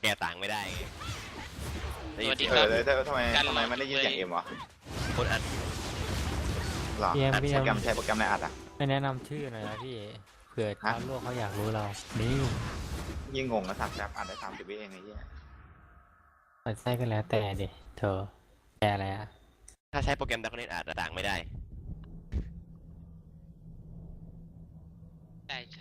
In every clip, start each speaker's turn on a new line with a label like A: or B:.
A: ก้ต่างไม่ได้ไงได้ยิน
B: สวัสดี
A: เสียง
B: ครับ
C: ทำไมมันได้ยินเสียงเอ็มวะ
A: คนอัด
C: หรอ
D: พี่เอ็ม
C: โปรแกรมใช้โปรแกรมอะไรอัดอ่ะ
D: ไม่แนะนำชื่อหน่อยนะพี่เผื่อชาวโลกเขาอยากรู้เรานี่
C: ยิ่งงงนะสัตว์แป๊บอัดได้30 วิเองไอ้เหี้ย
D: เปิดไส้ก็แล้วแต่ดิเธอแต่อะไรอะ
A: ถ้าใช้โปรแกรมดักเน็ตอัดต่างไม่ได้
B: ใช่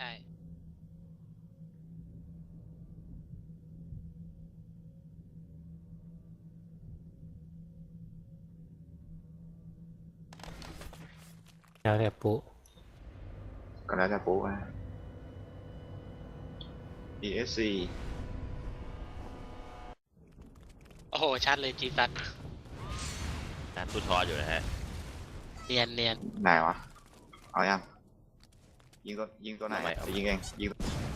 D: แล้วแต่ปุ๊
C: ก็แล้วจะปุ๊บนะ ESC
B: โอ้โหชัดเลยจีซัด
A: ตามตู้ทออยู่นะฮะ
B: เนียนเนียน
C: ไหนวะเอายังยิงตัวไหนจะยิงเองยิง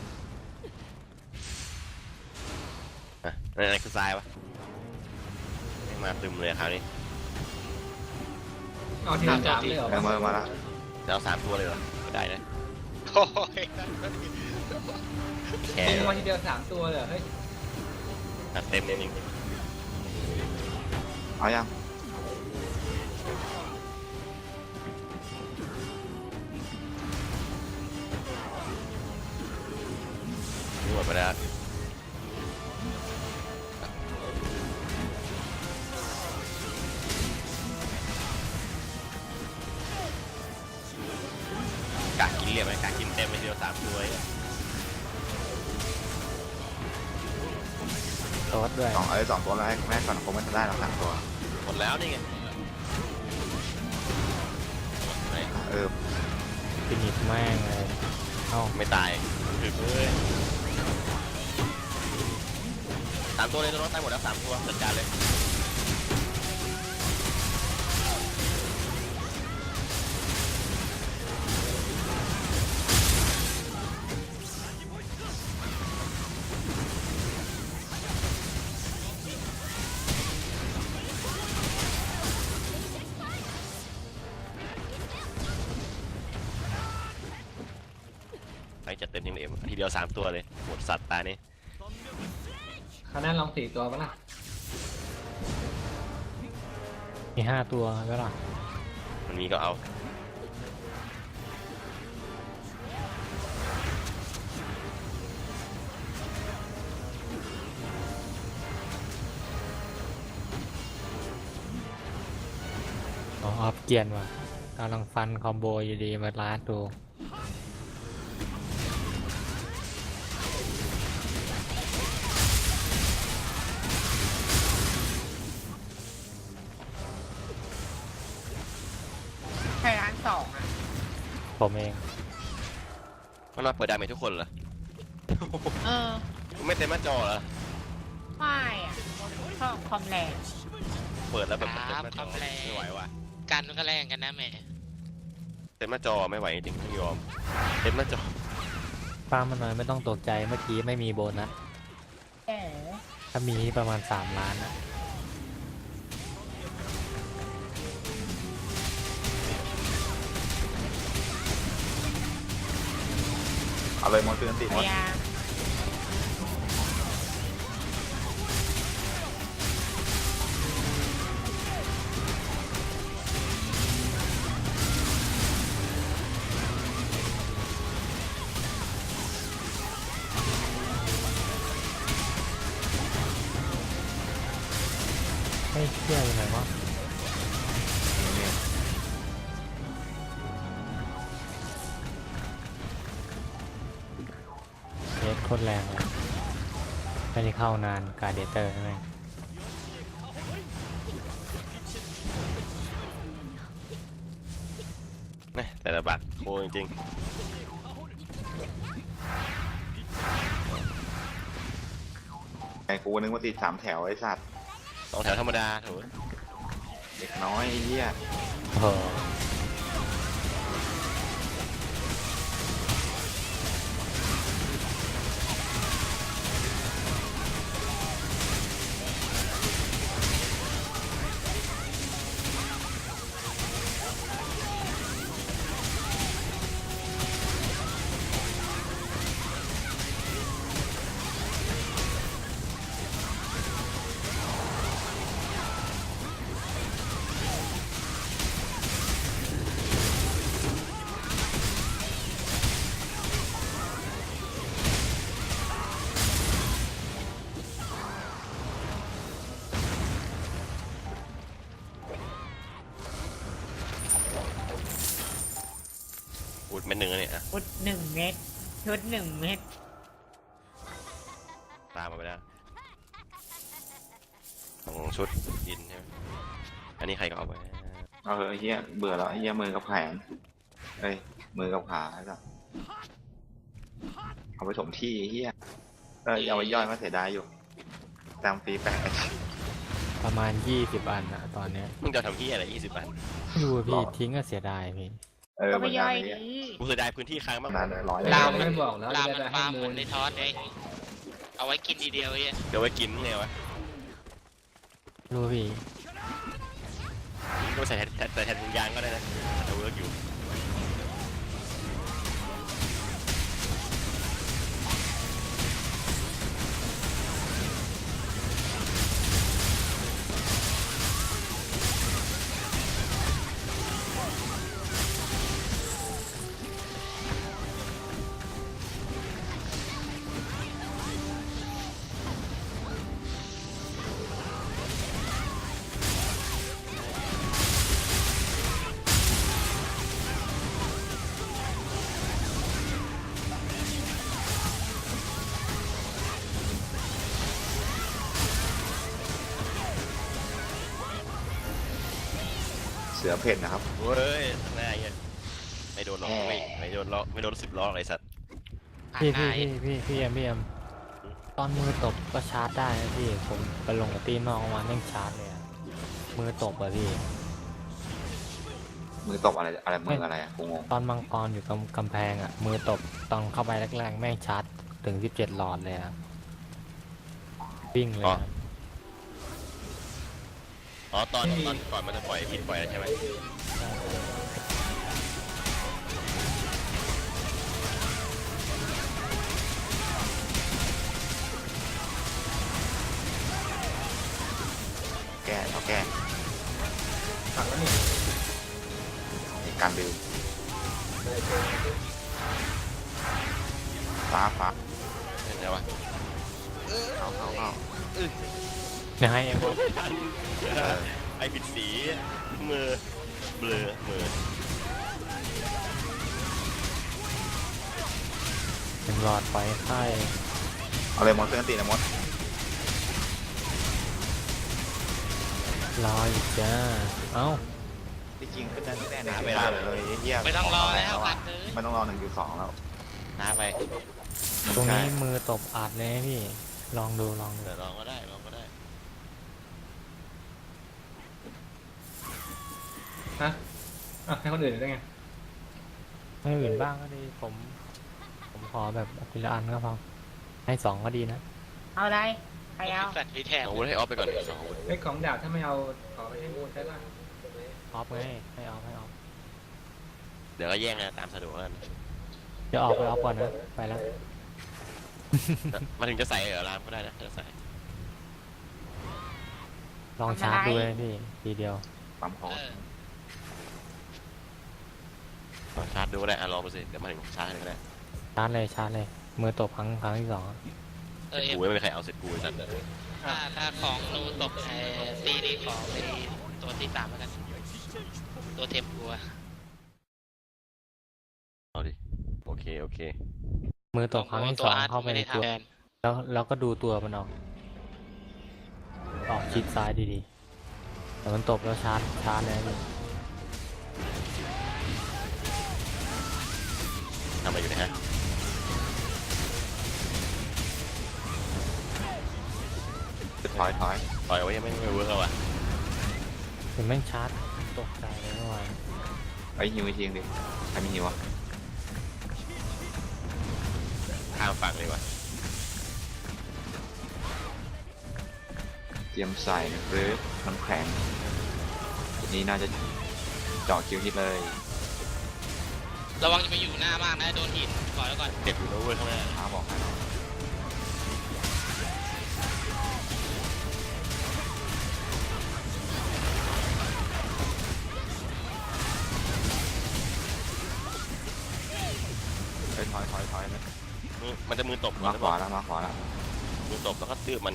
A: นั่นคือทรายวะมาตึมเลยคราวนี้
E: เอาทีละสามเลยเหรอ
C: เมื่อมาแล้ว
A: จะเอา3 ตัวเลยเหรอไม่ได้นะ
B: โอ้ย
A: แค่
E: ยิงมาทีเดียว3 ตัวเลยเหรอเฮ้ย
A: ตัดเต็มจริง
C: เอายัง
A: นี่หมดไปแล้วกะกินเรียบไหมกะกินเต็มไปทีเดียว3 ตัวเนี่ย
D: โต๊ดด้วย
C: 2ตัวแล้วให้แม่ก่อนคงไม่ได้หรอก3 ตัว
A: หมดแล้วนี่ไงไหน
D: ฟินิชแม่งเลยเอ้า
A: ไม่ตายถึงเลย3 ตัวเลยน้องตายหมดแล้ว3 ตัวจัดการเลยไปจัดเต็มทีมเอ็มทีเดียว3 ตัวเลยหมดสัตว์ตานี่
E: คราวหน้าลอง4 ตัวปะล่ะ
D: มี5 ตัวก็ล่ะ
A: มันมีก็เอา
D: อ๋อออฟเกียนว่ะกำลังฟันคอมโบอยู่ดีมาล้าดู
F: ใครร้าน2อ่ะ
D: ผมเอง
A: มันมาเปิดดาเมจทุกคนเหรอ
F: เออ
A: ไม่เต็มหน้าจอเหรอ
F: ไม่อ่ะชอบคอมแรง
A: เปิดแล้วแบบเต็มหน้าจอไม่ไหวว่ะ
B: กันมันก็แรงกันนะแม่
A: เต็มหน้าจอไม่ไหวจริงๆต้องยอมเต็มหน้าจอ
D: ฟ้ามันน้อยไม่ต้องตกใจเมื่อกี้ไม่มีโบนัส
F: แหม
D: ถ้ามีประมาณ3 ล้านนะ
C: เอาเลยมอนเตอร์ติมอน
F: ยา
D: ไม่เชื่อยังไงวะเน็ตโคตรแรงเลยไม่ได้เข้านานการเดเตอร์ใช่ไหม
A: นะแต่ละบัตรโคจริง
C: ไอ้กูนึกว่าติด3 แถวไอ้สัตว์
A: ๆ2 แถวธรรมดาถูก
C: เด็กน้อยไอ้เหี้ย
D: โอ้โห
A: หนึ่งอะเนี่ยอะ
F: ชุดหนึ่งเม็ดชุดหนึ่งเม็ด
A: ตามมาไปแล้วของชุดดินใช่ไหมอันนี้ใครก็เอาไป
C: เอาเถอะไอ้เฮียเบื่อแล้วไอ้เฮียมือกับแขนเอ้ยมือกับขาไอ้สัสเอาไปถมที่ไอ้เฮียเอาไปย่อยมาเสียดายอยู่ตามฟรีแปะ
D: ประมาณ20 อันอะตอนเนี้ย
A: มึงจะทำที่อะไร20 บาท
D: ไม่รู้อะพี่ทิ้งก็เสียดายพี่
F: ก็
C: เหมื
F: ไม่
C: อนกั
F: ย่
C: น
F: อย
C: ไอ้เฮีย
F: ดี
A: กูเสียดายพื้นที่ค้างมาก
C: นานร้อย
B: ลาม
E: ไม่บอกแล้ว
B: ลาม
E: จะ
B: มัน
E: ได้ให้
B: ฟาร์ม
E: มู
B: มั
E: ล
B: นในทอสไงเอาไว้กินทีเดียวไอ้เหี้ย
A: เดี๋ยวไว้กินไงวะ
D: รู้พี่
A: ก็ใส่แทนถุงยางก็ได้นะแต่เวิร์กอยู่
C: เสือเผ็ดนะครับ
A: เว้ยข้างหน้าเงี้ยไม่โดนหรอกไม่โดนล้อไม่โดน10 ล้ออะไรสัตว์
B: ผ่าน
D: พี่
B: หน้า
D: พี่เอ็มตอนมือตบก็ชาร์จได้นะพี่ผมไปลงกับตีนอกมาแม่งชาร์จเลยอะมือตบอะพี่
C: มือตบอะไรมืออะไรอ่ะกูงง
D: ตอนมังกรอยู่กำแพงอะมือตบตอนเข้าไปแรกๆแม่งชาร์จถึง17 หลอดเลยอะวิ่งเลยอะ
A: อ๋อตอนก่อนมันจะปล่อยพิษปล่อยแล้วใช่ไหม
C: แก้เอาแก้
E: ผักแล้วนี่
C: นี่การบิวฟ้า
A: เห็นไหมวะ
C: เข้า
D: เนี่ยให้เอ็ม
A: ไอผิดสีมือเบลอมือ
D: เป็นหลอดไฟไข่
C: เอาเลยมดเพื่อนตีนะมด
D: รออีกจ้าเอ้า
C: ที่จริงขึ้นได้แน่ๆไม่ได้เลยเฮีย
B: ไม่ต้องรอแล้วอัดเลย
C: ไม่ต้องรอ1.2แล้ว
A: น้าไป
D: ตรงนี้มือตบอัดเลยนะพี่ลองดู
A: เดี๋ยวลองก็ได้ลองก็ได้
E: ฮะอ่ะให้คนอื่นได้ไง
D: ไม่อื่นบ้างก็ดีผมขอแบบทีละอันก็พอให้2ก็ดีนะ
F: เอาอะไรใครเอา
B: สัตว์มีแถบ
A: เอาวุธให้ออฟไปก่อน2 อาวุธ
E: ไอ้ของดาบถ้าไม่เอาขอไปให้มูลได้ป่ะ
D: ออฟไงให้ออฟ
A: เดี๋ยวก็แย่งนะตามสะดวกกัน
D: เดี๋ยวออกไปออฟก่อนนะไปแล้ว
A: มาถึงจะใส่เหรอรามก็ได้นะจะใส่
D: ลองชาร์จดูเลยพี่ทีเดียว
C: ปั๊มคอ
B: เออ
A: ลองชาร์จดูก็ได้อ่ะลองดูสิเดี๋ยวมาถึงชาร์จก็ได้
D: ชาร์จเลยมือตบครั้งที่ 2
B: เออเอ็ม
A: กูไม่มีใครเอาเสร็จกูไอ้สัตว์
B: ถ้าของนูตกตีนี้ของไอ้ตัวที่3แล้วกันตัวเทมกูอะ
A: เอาดิโอเค
D: มือตบครั้งที่
B: ตัวอาร์ต
D: 2เข้าไป
B: ไม่
D: ใน
B: ได้
D: ตัว
B: ทำแทน
D: แล้วก็ดูตัวมันออกชิดซ้ายดีๆแต่มันตบแล้วชาร์จเลยพี่
A: ทำอะไรอยู่เนะฮะ
C: ถอย
A: ปล่อยไว้ยังไม่เวิร์กแล้วอ่ะ
D: เห็นแม่งชาร์จตกใจเลยเมื่อวาน
C: ไอ้ฮิวไอ้ทีงดิใครมีฮิวอ่ะ
A: ข้ามฝั่งเลยว่ะ
C: เตรียมใส่หรือน้ำแข็งทีนี้น่าจะเจาะคิวฮิตเลย
B: ระวังจะไปอยู่หน้ามากนะโดนหินก่อนแล้วก่อน
A: เด็กอยู่นะเว้ยข้างหน้า
C: ท้าบอกให้ถอยนะ
A: มันจะมือตบ
C: มาขวาแล้ว
A: มือตบแล้วก็ตื้อมัน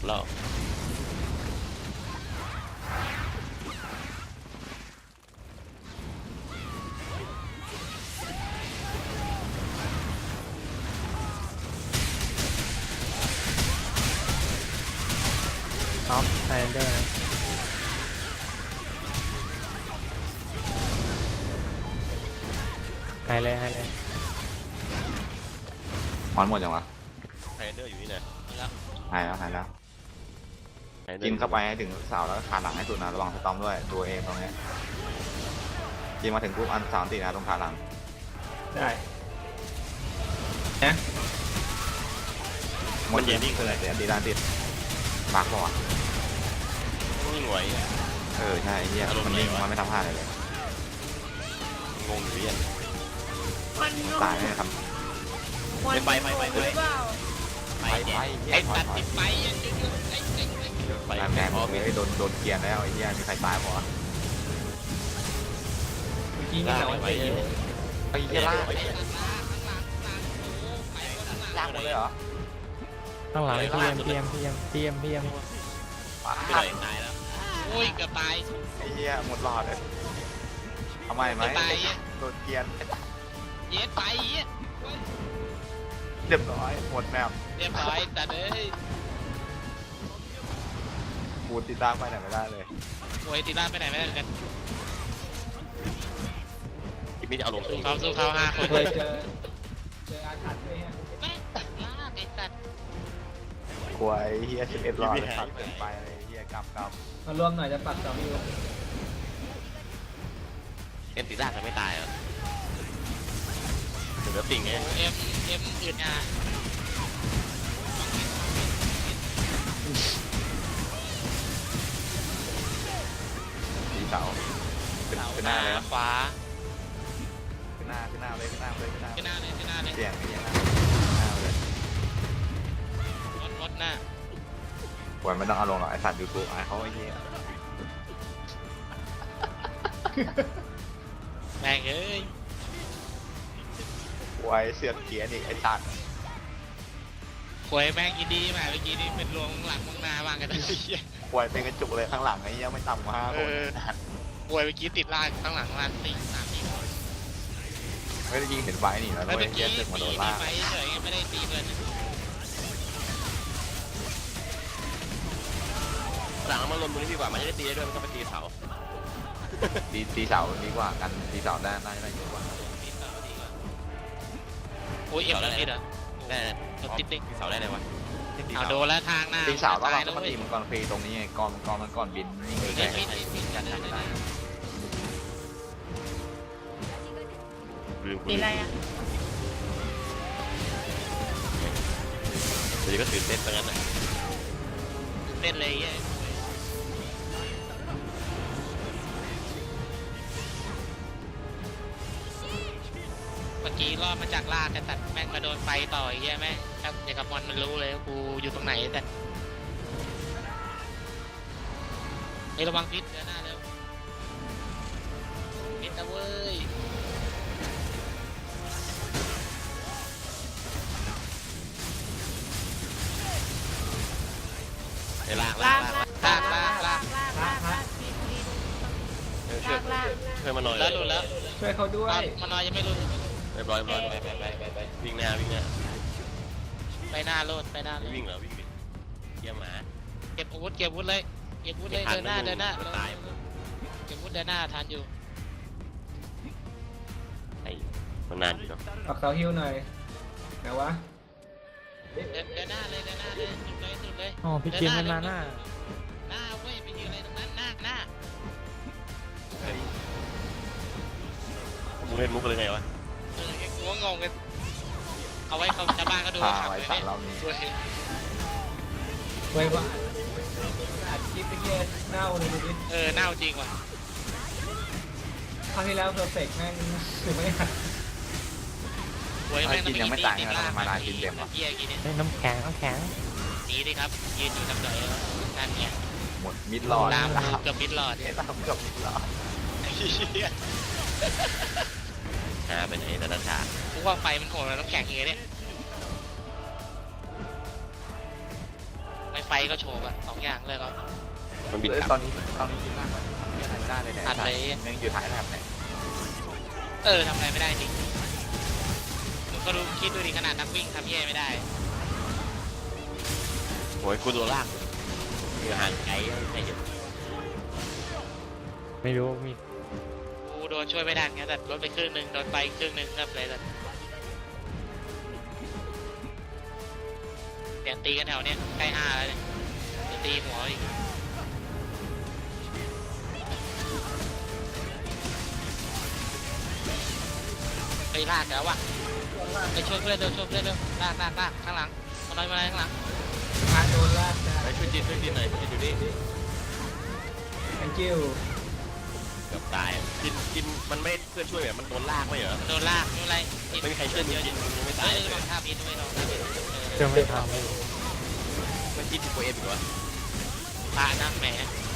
A: แล้ว
D: ท็อปไฮเดอร์นะให้เลยให้เลย
C: มอนหมดยังวะ
A: ไฮเดอร์อยู่นี่นะ
B: แล้ว
C: หายแล้วหายแล้ว
A: ไฮดอร์
C: กินเข้าไปให้ถึงเสาแล้วก็ขาหลังให้สุดนะระวังสตอมด้วยตัวเองตรงนี้กินมาถึงปุ๊บอันสามตีนะตรงขาหลัง
E: ได้นะ
C: มันเย็นนิ่งเลยเดี๋ยวตีด้านติดบักป่ะวะ
A: นิ่งไหว
C: ใช่เฮียมันนิ่งมันไม่ทำพลาดอะไรเลย
A: งงอยู่เนี่ย
F: มันงง
C: ตายไม่ทำ
F: มัน
A: ไป
F: งงหรือเปล่า
A: ไป
C: ไป
A: แก
C: ไปเฮีย
B: ไอ้
C: ถอ
B: ตั
C: ย
B: ด
C: ถอย
B: ติดไปยังจะยุ่งไอ้เจ๊ง
A: ไป
C: ตายแกหมดเลยโดนเกลียนแล้วไอ้เฮียมีใครตายป่ะวะ
E: เมื่อกี้มีแต่ว่าตีอยู่
C: ไอ้เฮียล่าก
B: ข้างหลังโอ้ไปข้างหลัง
C: ล่ากหมดเลยเหรอ
D: ข้างหลังเทียม
A: ไปไหนตายแล้ว
B: โอ้ยเกือบตาย
C: ไอ้เฮียหมดหลอดเลยเอาใหม่ไหม
B: ไป
C: โดนเกลียน
B: เย็ดไปเย็ด
C: เรียบร้อยหมดแมว
B: เรียบร้อยแต่เอ้ย
C: กูติดตามไปไหนไม่ได้เลย
B: โวยตีล่าไปไหนไม่ได้กัน
A: อีกนิดจะเอาลง
B: สู้เขา5 คน
E: เคยเจออาถรรพ์ด้วยฮะ
B: แม่งลากไอ้สัตว์
C: กลัวไอ้เฮีย11หลอดเลยตัดเกินไปเลยเฮียกำ
E: มารวมหน่อยจะปักเสาอยู่
A: เอ็นติด้าจะไม่ตายเหรอเหลือติ่งไง
B: เอ็มอื่นอ่ะ
C: สีเสาเป็นหน้าเลยนะ
B: ขวา
C: ขึ้นหน้าเลยขึ้นหน้าเลย
B: ขึ้นหน้าเลย
C: เสียงไอ้เหี้ยหน้าเลย
B: มดหน้า
C: ปล่อยไม่ต้องเอาลงหรอกไอสัตว์ยูทูบไอเขาไอ้เหี้ย
B: แม่งเอ้ย
C: ปล่อยเสือกเกียร์นี่ไอสัตว์
B: หวยแม่งยินดีมาเมื่อกี้นี่เป็นรวงหลังมองหน้าบ้างกันเลย
C: ปล่อยเป็นกระจุกเลยข้างหลังไอ้เหี้ยไม่ต่ำกว่า5 คน
B: หวยเมื่อกี้ติดลากข้างหลังมา3 4 คน
C: ไม่ได้ยิงเห็นไฟนี่แล้ว
B: แล้ว
C: ไอ้
B: เมื่อ
C: เหี้
B: กี้
C: ยตึกมาโด
B: ตี
C: นลาก
B: ไปเฉยไม่ได้ตีเลย
A: หลังมันลนตรงนี้ดีกว่ามันจะได้ตีได้ด้วยมันก็ไปตีเสา
C: ตีเสาดีกว่ากันตีเสาได้น่าจะได้เยอะกว่า
B: โอ้ยเอ็มแล้วติดเหรอ
A: ได้
B: รถติดดิ
A: ตีเสาได้ไหนวะตี
B: เอา
A: เสา
B: โดนแล้วทางหน้า
C: ตีเสาแล้ว
B: ตาย
C: เรา
B: แล้ว
C: ต้อง
B: เว้
C: ตี
B: ย
C: มังกรฟรีตรงนี้ไงกรมันก่อนบินนี่เลย
B: ไม่
C: แข่ง
B: ไม่กันได้ไม่ได้
A: ลืม
F: ตีอะไรอ่ะ
A: เดี๋ยวก็ตื่นเต้นไปงั้นนะ
B: เต้นเลยเย้ยเมื่อกี้รอดมาจากลากแต่ตัดแม่งมาโดนไฟต่อยแย่แม่งครับเด็กกับมอนมันรู้เลยว่ากูอยู่ตรงไหนแต่ไอ้ระวังพิษเดี๋ยวหน้าเร็วพิษนะเว้ย
A: ไอ้ลาก
F: ลาก
A: ช่วย
F: ลาก
A: ช่วยมาหน่อย
B: แล้วหลุดแล้ว
E: ช่วยเขาด้วย
B: มานอยยังไม่หลุด
A: เรียบร้อยไปวิ่งหน้า
B: ไปหน้าโลดไปหน้าโล
A: ไม่
B: ด
A: วิ่งเหรอวิ่งดิเยี่ยมหมา
B: เก็บอาวุธเลยเก็บอาวุธเลย
A: ไม่ทัน
B: เดินหน้า
A: ไม่
B: เดินหน้า
A: ไม่ตาย
B: เก็บอาวุธเดินหน้าทันอยู่
A: ไอ้มันนานอยู่เนาะ
E: ปักเสาฮิวหน่อยไหนวะ
B: เดินหน้าเลยสุดเลย
D: อ๋อพี่เจมส์มันมาหน้า
B: หน้าเว้ยไปยืนอะไรตรงนั้นหน้า
A: มึงเล่นมุกเลยไงวะ
B: กูก็งงกันเอาไว้เขาชาวบ้านก็ดู
C: พา
B: ขับ
C: ไว้
B: เลย
C: สัตว์เรานี่
B: ด้วย
E: ไว้ว่าอัดคลิปไปเงี้ยเน่าเลยดูดิ
B: เน่าจริงว่ะ
E: คราวที่แล้วเพอร์เฟกต์แม่งถึงไม่หัด
B: หวยแม่ง
C: กินยังไม่ตายไงทำไมมานากินเต็มวะ
B: เกียร์กี่เนี่ย
D: เฮ้ยน้ำแข็ง
B: หนีดิครับยืนอยู่ทำไรนั่นเนี่ย
C: หมดมิดหลอด
B: ตามเกือบมิดหลอด
C: เห็นตามกับมิดหลอด
A: หาไปไหนแต่ละฉาก
B: กูว่าไฟมันโหดแล้วน้ำแข็งอย่างเงี้ยเนี่ยไปไม่ไฟก็โฉบอะ2 อย่างเลยก็
A: มันบินกลับ
C: ตอนนี้คิดมากมันทำอะไรไม่ได้เลยเนี่ย
B: อัดเลย
C: ยังอยู่ท้ายแถบเนี่ย
B: ทำอะไรไม่ได้จริงมึงก็รู้คิดดูดิขนาดนักวิ่งทำเย่ไม่ได้
A: โอ้ยกูโดนลากอยู่ห่างไกลไม่เห็น
D: ไม่รู้มี
B: กูโดนช่วยไม่ได้ไงแต่รถไปครึ่งหนึ่งโดนไปครึ่งหนึ่งก็เลยแต่เสียงตีกันแถวเนี้ยใกล้5แล้วเนี่ยจะตีหัวอีกไปลากแล้ววะไปช่วยเพื่อนเร็วช่วยเพื่อนเร็วลากข้างหลังมาหน่อยข้างหลัง
E: พาโดนลากจ้ะ
A: ไปช่วยจีนหน่อยช่วยอยู่นี่
E: thank you
A: เกือบตายจินมันไม่เพื่อนช่วยแบบมันโดนลากไม่เหรอ
B: โดนลากไม่เป็นไร
A: ไม่มีใครช่วยจินยังไม่ตาย
B: ลองท่าพิษด้วยลองท่าพิษ
D: เครื่องไม่ทำไม่
A: มันจินตัวเองอีกวะ
B: พระนะแหม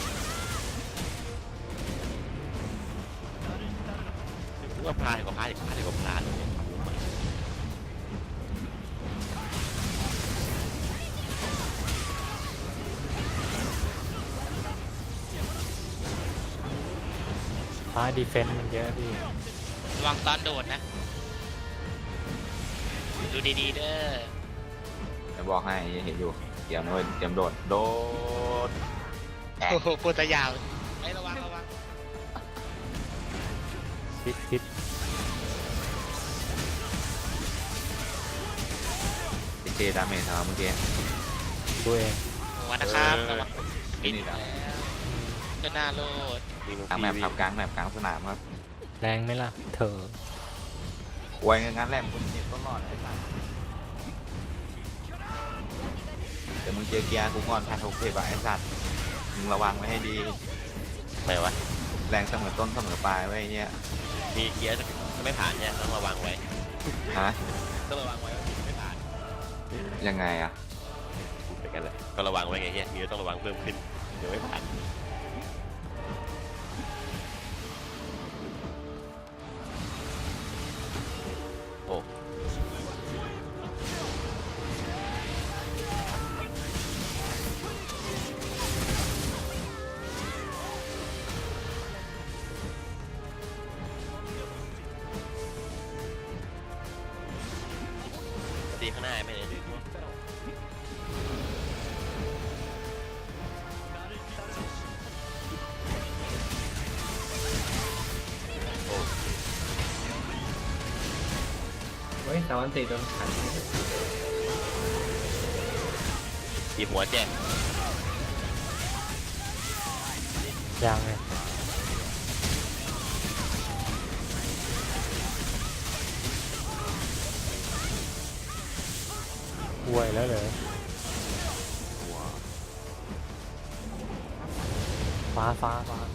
A: ว่าพลาดกว่าพลาดอีกพลาดกว่าพลาดเลย
D: ฟ้าดีเฟนต์มันเยอะพี่
B: ระวังตอนโดดนะดูดีๆเด้อ
C: จะบอกให้เห็นอยู่เดี๋ยวนะเว้ยเตรียมโดดแตก
B: โอ้โหพูดแต่ยาวไม่ระวัง
D: คิด
C: เจดาเมจครับเมื่อกี้
D: ตัวเอง
B: หัวนะครับระวัง
C: นี่นี่แหละ
B: ก็น่าโลด
C: กลางแมปครับกลางแมปกลางสนามครับ
D: แรงไหมล่ะ เธอ
C: ไว้งั้นแหละมึงเจ็บก็รอดไอ้สัสเดี๋ยวมึงเจอเกียร์กูก่อนแพทโอเคป่ะไอ้สัสมึงระวังไว้ให้ดี
A: ไม่วะ
C: แรงเสมอต้นเสมอปลายไว้ไอ้เนี่ย
A: มีเกียร์จะไม่ผ่านเนี่ยต้องระวังไว้
C: ฮะ
A: ต้องระวังไว้ว่าไม่ผ่าน
C: ยังไงอะ
A: เป็นกันเลยก็ระวังไว้ไงเงี้ยมีต้องระวังเพิ่มขึ้นเดี๋ยวไม่ผ่านโอ้ตีข้างหน้าไม่ได้ดู
E: เฮ้ย3 วัน 4โดนขัน
A: ตีหัวแจ้ง
D: ยังไงป่วยแล้วเหรอฟ้า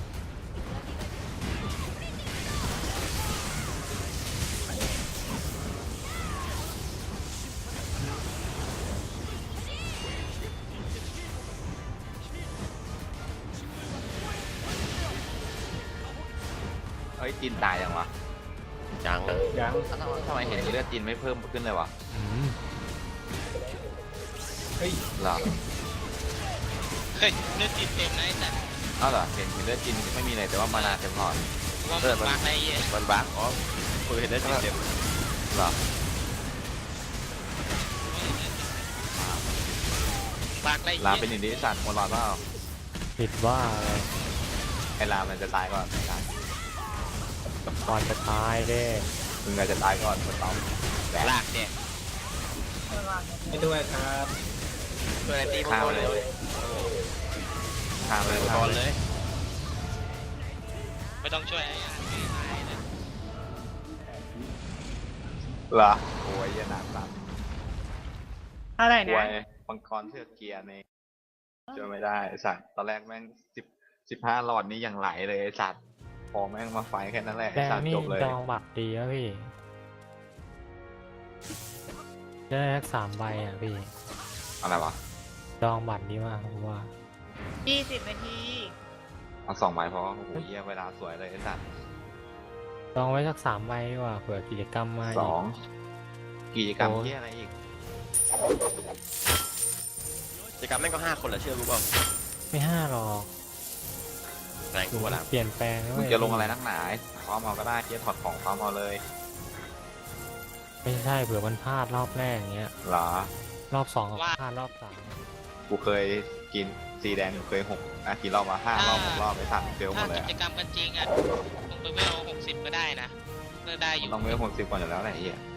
C: เอ้ยจีนตายยังวะ
A: จัง
E: ยัง
C: ทำไมเห็นเลือดจีนไม่เพิ่มขึ้นเลยวะ
E: เฮ้ย
C: เหรอ
B: เฮ้ยเลือดติดเต็มนะไอ้สัตว์
C: อ้าวเหรอเห็นเลือดจีนไม่มีเลยแต่ว่ามานาเต็มหลอด
B: ว่ามันบักอะไรเงี้ย
A: มันบั๊กอ๋อคุยเห็นได้เต็ม
C: เหรอ
B: บักอะไร
C: ลา
B: เงี้
C: เป็น
B: ย
C: อย่างนี้สัตว์หมดหลอดเปล่า
D: ผิดว่าอะไร
C: ไอ้ลามันจะตายก่อนไอ้สัตว์
D: ก่อนจะตายเด้
C: มึงอาจจะตายก่อนคนต้องแบก
A: ลากเนี่ย
E: ไม่ด้วยครับ
A: ตัวไหนตีมัง
C: ข้าม
A: กร
C: เล
A: เลย ย
C: ข้ามเลย
A: มัง
C: ข้าก ม
A: ร
C: เล
A: เลย ย
B: ไม่ต้องช่วยไอ้อันไม่ตายนะ
C: เหรอโอ้ยยันหนักสัตว์
F: อะไร
C: ป่ว
F: นะ
C: ยมังกรเชือกเกียร์นี่เจอไม่ได้ไอ้สัตว์ตอนแรกแม่ง15หลอดนี้ยังไหลเลยไอ้สัตว์พอแม่งมาไฟแค่นั้นแหละ
D: แด
C: ไอ้
D: ง
C: สัตว์
D: นี่
C: จบเลย
D: ดองบัตรดีนะพี่ ได้สัก3 ใบอ่ะพี่
C: อะไรวะ
D: ดองบัตรดีมากผมว่า
F: 20 นาที
C: เอา2ใบพอโอ้โหเยี่ยเวลาสวยเลยไอ้สัตว์
D: ดองไว้สัก3 ใบดีกว่าเผื่อกิจกรรมมาอีก
C: 2กิจกรรม
D: โอ้
C: เยี่ยอะไรอีก
A: กิจกรรมแม่งก็5 คนแหละเชื่อรู้เปล่า
D: ไม่ห้าหรอก
A: แรงกว่าละ
D: เปลี่ยนแปลงนะ
C: มึง
D: เว้ย
C: จะลงอะไรนักหนาความเอาก็ได้เกียร์ถอดของความเอาเลย
D: ไม่ใช่เผื่อมันพลาดรอบแรกอย่างเงี้ย
C: เหรอ
D: รอบสองก็พลาดรอบสาม
C: กูเคยกินสีแดงเคยกี่รอบมา5 รอบ6 รอบไปสั่นเฟลหม
B: ถ้า
C: ดเลย
B: กิจกรรมกันจริงอ่ะลงไปเวล60ก็ได้นะก็ได้อ
C: มัน
B: ยู่
C: ต้องเวล60ก่อนอยู่แล้วแหละไอ้เหี้ย